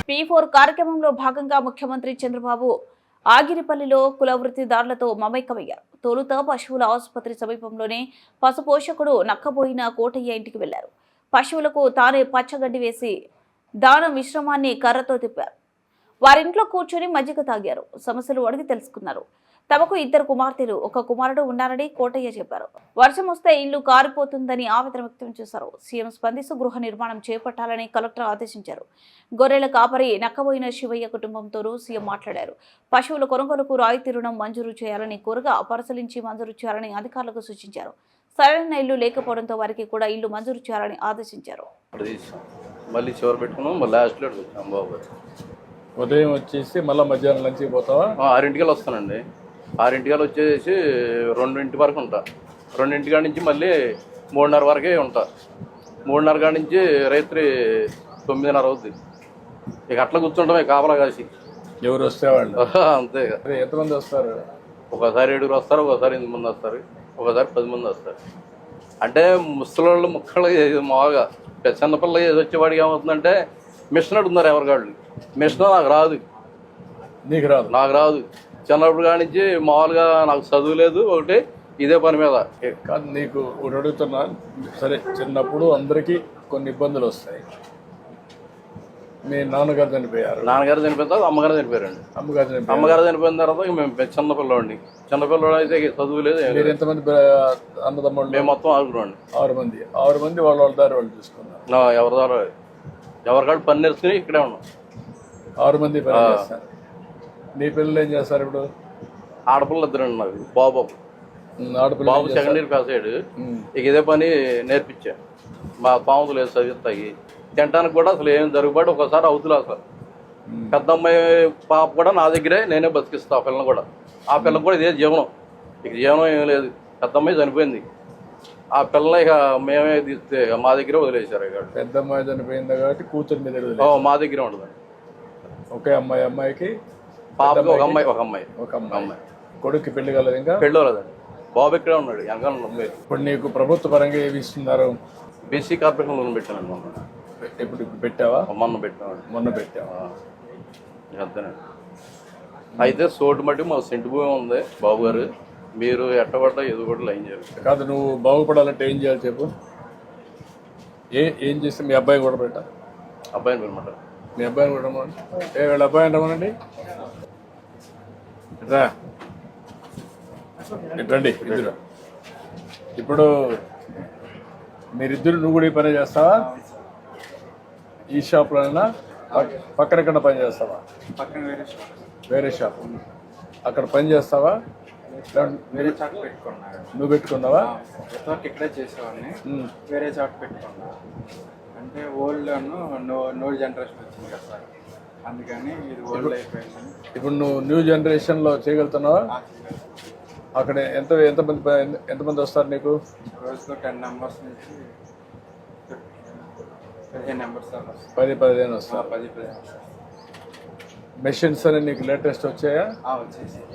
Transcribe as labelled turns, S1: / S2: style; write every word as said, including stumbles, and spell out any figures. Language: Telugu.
S1: పీ ఫోర్ కార్యక్రమంలో భాగంగా ముఖ్యమంత్రి చంద్రబాబు ఆగిరిపల్లిలో కుల వృత్తిదారులతో మమైకమయ్యారు. తొలుత పశువుల ఆసుపత్రి సమీపంలోనే పశుపోషకుడు నక్కబోయిన కోటయ్య ఇంటికి వెళ్లారు. పశువులకు తానే పచ్చగడ్డి వేసి దాన మిశ్రమాన్ని కర్రతో తిప్పారు. వారింట్లో కూర్చొని మజ్జిగ తాగారు. సమస్యలు అడిగి తెలుసుకున్నారు. తమకు ఇద్దరు కుమార్తెలు, ఒక కుమారుడు ఉన్నారని కోటయ్య చెప్పారు. వర్షం వస్తే ఇల్లు కారిపోతుందని ఆవేదన వ్యక్తం చేశారు. సీఎం స్పందిస్తూ గృహ నిర్మాణం చేపట్టాలని కలెక్టర్ ఆదేశించారు. గొర్రెల కాపరి నక్కబోయిన శివయ్య కుటుంబంతోనూ సీఎం మాట్లాడారు. పశువుల కొనుగోలుకు రాయితీ రుణం మంజూరు చేయాలని కోరగా పరిశీలించి మంజూరు చేయాలని అధికారులకు సూచించారు. సరైన ఇల్లు లేకపోవడంతో వారికి కూడా ఇల్లు మంజూరు చేయాలని ఆదేశించారు.
S2: మళ్ళీ చివరి పెట్టుకున్నాం, మళ్ళీ లాస్ట్లో వచ్చాం బాబు.
S3: ఉదయం వచ్చేసి మళ్ళీ మధ్యాహ్నం లంచ్కి పోతావా?
S2: ఆరింటికల్ వస్తానండి. ఆరింటికల్ వచ్చేసి రెండింటి వరకు ఉంటా. రెండింటి కాడి నుంచి మళ్ళీ మూడున్నర వరకే ఉంటా. మూడున్నర కాడి నుంచి రాత్రి తొమ్మిదిన్నర అవుద్ది. ఇక అట్లా కూర్చుంటామే కాపలా కాసి.
S3: ఎవరు వస్తే వాళ్ళు
S2: అంతే.
S3: ఎంతమంది వస్తారు?
S2: ఒకసారి ఏడుగురు వస్తారు, ఒకసారి ఎనిమిది మంది వస్తారు, ఒకసారి పది మంది వస్తారు. అంటే ముసలోళ్ళు ముక్కలు మామూలుగా చిన్నపిల్ల వచ్చేవాడికి ఏమవుతుందంటే మిషన్ అడుగుతున్నారు ఎవరికాళ్ళు. మిషన్ నాకు రాదు.
S3: నీకు రాదు?
S2: నాకు రాదు. చిన్నప్పుడు కాడి నుంచి మామూలుగా నాకు చదువు లేదు, ఒకటి ఇదే పని మీద.
S3: కాదు, నీకు ఒకటి అడుగుతున్నా. సరే, చిన్నప్పుడు అందరికీ కొన్ని ఇబ్బందులు వస్తాయి. మీ నాన్నగారు చనిపోయారు.
S2: నాన్నగారు చనిపోయిన తర్వాత అమ్మగారు చనిపోయారండి.
S3: అమ్మగారు చనిపోయారు.
S2: అమ్మగారు చనిపోయిన తర్వాత మేము చిన్నపిల్లవాడిని. చిన్నపిల్లవాడు అయితే చదువు లేదు.
S3: మీరు ఎంతమంది అన్నదమ్ముళ్ళు?
S2: మేము మొత్తం ఆరుగురు అండి.
S3: ఆరు మంది. ఆరు మంది వాళ్ళ వాళ్ళ దారి వాళ్ళు చూసుకున్నారు.
S2: ఎవరి ద్వారా ఎవరికాడు పని నేర్చుకుని ఇక్కడే ఉన్నాం.
S3: ఆరు మంది పని చేస్తారు. నీ పిల్లలు ఏం చేస్తారు ఇప్పుడు?
S2: ఆడపిల్ల ఇద్దరండి నాకు. బాబు
S3: ఆడపిల్ల
S2: బాబు సెకండ్ ఇయర్ పాస్ అయ్యాడు. ఇక ఇదే పని నేర్పించా. మా పాముతులు లేదు చదివిస్తాయి. తినడానికి కూడా అసలు ఏం జరుగుబాటు ఒకసారి అవుతులే. అసలు పెద్ద అమ్మాయి పాప కూడా నా దగ్గరే నేనే బతికిస్తా. ఆ పిల్లని కూడా, ఆ పిల్లకి కూడా ఇదే జీవనం. ఇక జీవనం ఏం లేదు. పెద్ద అమ్మాయి చనిపోయింది. ఆ పిల్లని ఇక మేమే తీస్తే మా దగ్గరే వదిలేశారు. ఇక
S3: పెద్ద అమ్మాయి చనిపోయింది కాబట్టి కూతురు మీద
S2: మా దగ్గరే ఉండదు.
S3: ఒకే అమ్మాయి. అమ్మాయికి
S2: పాపకి ఒక అమ్మాయి ఒక అమ్మాయి
S3: ఒక అమ్మాయి. కొడుక్కి పెళ్లి కలదు? ఇంకా
S2: పెళ్ళి కలదండి. బాబు ఇక్కడే ఉన్నాడు. వెనకాల అమ్మాయి.
S3: ఇప్పుడు నీకు ప్రభుత్వ పరంగా ఏమి ఇస్తున్నారు?
S2: బీసీ కార్పొరేషన్ లోన్ పెట్టానండి మొన్న.
S3: ఇప్పుడు ఇప్పుడు పెట్టావా?
S2: మొన్న పెట్టామండి.
S3: మొన్న పెట్టావా?
S2: అంతేనండి. అయితే సోటు మట్టి మా సెంటు భూమి ఉంది బాబు గారు. మీరు ఎట్టబడ్డా ఏదో కూడా లైన్ చేయాలి.
S3: కాదు, నువ్వు బాగుపడాలంటే ఏం చేయాలి చెప్పు. ఏ ఏం చేస్తే మీ అబ్బాయి కూడా పెట్టా?
S2: అబ్బాయిని అనమాట.
S3: మీ అబ్బాయిని కూడా రమ్మనండి. ఏ వీళ్ళ అబ్బాయిని రమ్మనండి. రా, రండి ఇద్దరు. ఇప్పుడు మీరిద్దరు నువ్వు కూడా ఈ పని చేస్తావా? ఈ షాప్లోనైనా పక్కన ఎక్కడ పని చేస్తావా? వేరే షాప్ అక్కడ పని చేస్తావా?
S4: వేరే చాట్ పెట్టుకున్నా.
S3: నువ్వు పెట్టుకున్నావా?
S4: ఇక్కడే చేసేవాడిని. వేరే చాట్ పెట్టుకున్నా. అంటే ఓల్డ్ నో నో జనరేషన్ వచ్చింది కదా సార్, అందుకని ఇది ఓల్డ్ అయిపోయింది.
S3: ఇప్పుడు నువ్వు న్యూ జనరేషన్లో చేయగలుగుతున్నావా? అక్కడ ఎంత ఎంతమంది ఎంతమంది వస్తారు నీకు?
S4: రోజుకు టెన్ నెంబర్స్ నుంచి పదిహేను నెంబర్స్ దాకా వస్తారు.
S3: పది పదిహేను వస్తారు.
S4: పది పదిహేను వస్తారు.
S3: మెషిన్స్ అని నీకు లేటెస్ట్ వచ్చాయా?
S4: వచ్చేసి